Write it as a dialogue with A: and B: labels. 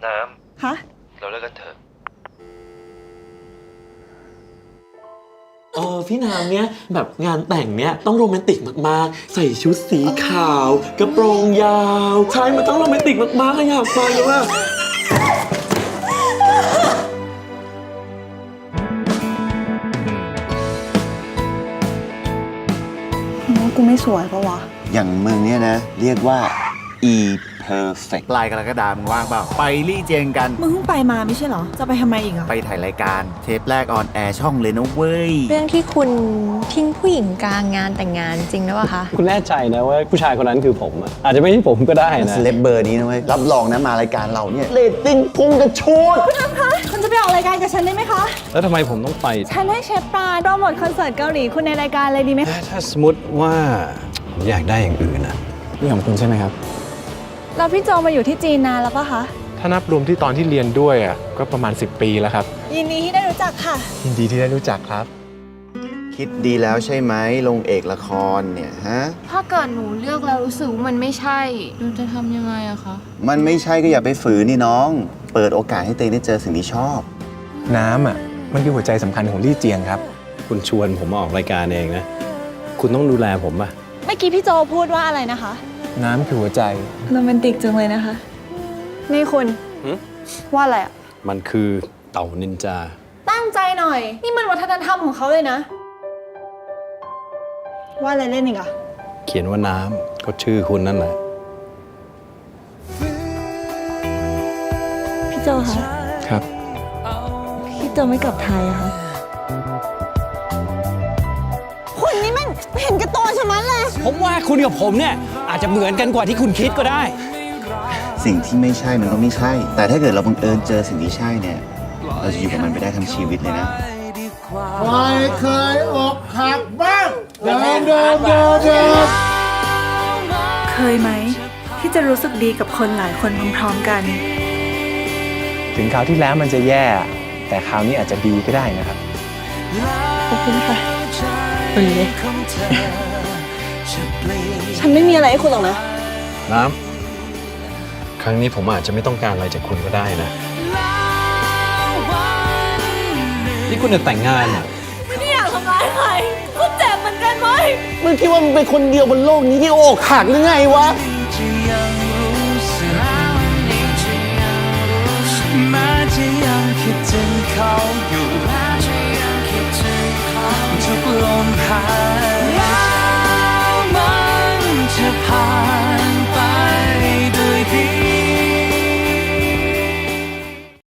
A: น้
B: ฮะ
A: ำเราเลิกกันเถอะ
C: พี่น้ำเนี่ยแบบงานแต่งเนี่ยต้องโรแมนติกมากๆ ใส่ชุดสีขาว กระโปรงยาวใช่มันต้องโรแมนติกมากๆอยากฟังเลยว่า
B: กูไม่สวยปะวะ
D: อย่างมึงเนี่ยนะ เรียกว่า perfect
E: ปลายกรกฎาคมว่างเปล่า ไปลี่เจียงกัน
B: มึงเพิ่งไปมาไม่ใช่เหรอ จะไปทำไมอีกอ่ะ
E: ไปถ่ายรายการเทปแรกออนแอร์ช่องเลยนะเว้ย
F: เรื่องที่คุณทิ้งผู้หญิงกลางงานแต่งงานจริงหรือเปล่าคะ
G: คุณแน่ใจนะว่าผู้ชายคนนั้นคือผมอะอาจจะไม่ใช่ผมก็ได้นะ
D: เซเลบเบอร์นี้นะเว้ย รับรองนะมารายการเราเนี่ย เรตติ้งพุ่งกระชูด
B: คุณจะไปออกรายการกับฉันได้ไหมคะ
G: แล้วทำไมผมต้องไป
B: ฉันให้เชฟปราณโปรโมทคอนเสิร์ตเกาหลีคุณในรายการเลยดีไหม
G: ถ้าสมมติว่าผมอยากได้อย่างอื่นนะนี่ของคุณใช่ไหมครับ
B: เราพี่โจมาอยู่ที่จีนนานแล้วปะคะ
H: ถ้านับรวมที่ตอนที่เรียนด้วยอ่ะก็ประมาณ10 ปีแล้วครับ
B: ยินดีที่ได้รู้จักค่ะ
H: ยินดีที่ได้รู้จักครับ
D: คิดดีแล้วใช่ไหมลงเอกละครเนี่ยฮะ
I: ถ้าเกิดหนูเลือกแล้วรู้สึกว่ามันไม่ใช่หนูจะทำยังไงอะคะ
D: มันไม่ใช่ก็อย่าไปฝืนนี่น้อง เปิดโอกาสให้เตงได้เจอสิ่งที่ชอบ
H: น้ำอ่ะมันคือหัวใจสำคัญของลี่เจียงครับ
G: คุณชวนผมมาออกรายการเองนะ คุณต้องดูแลผมป่ะ
B: เมื่อกี้พี่โจพูดว่าอะไรนะคะ
H: น้ำคือหัวใจ
B: โรแมนติกจังเลยนะคะ นี่คุณ ว่าอะไรอ่ะ
G: มันคือเต่านินจา
B: ตั้งใจหน่อย นี่มันวัฒนธรรมของเขาเลยนะ ว่าอะไรเล่นอีกอ่ะ
G: เขียนว่าน้ำก็ชื่อคุณนั่นแหละ
B: พี่โจคะ
H: ครับ
B: พี่โจไม่กลับไทยอะคะคุณนี่มันเห็นแก่ตัวชะมัดเลย
G: ผมว่าคุณกับผมเนี่ยอาจจะเหมือนกันกว่าที่คุณคิดก็ได้
D: สิ่งที่ไม่ใช่มันก็ไม่ใช่ แต่ถ้าเกิดเราบังเอิญเจอสิ่งที่ใช่เนี่ย เราจะอยู่กับมันไปได้ทั้งชีวิตเลยนะ
B: เคยไหมที่จะรู้สึกดีกับคนหลายคนพร้อมๆกัน
H: ถึงคราวที่แล้วมันจะแย่ แต่คราวนี้อาจจะดีก็ได้นะครับ
B: ขอบคุณค่ะฉันไม่มีอะไรให้คุณหรอกนะ
G: น้ำ ครั้งนี้ผมอาจจะไม่ต้องการอะไรจากคุณก็ได้นะ นี่คุณจะแต่งงานอ่ะ
B: ไม่อยากทำร้ายใครคุณเจ็บเหมือนกันไหม
D: มึงคิดว่ามึงเป็นคนเดียวบนโลกนี้ที่อกหักหรือไงวะ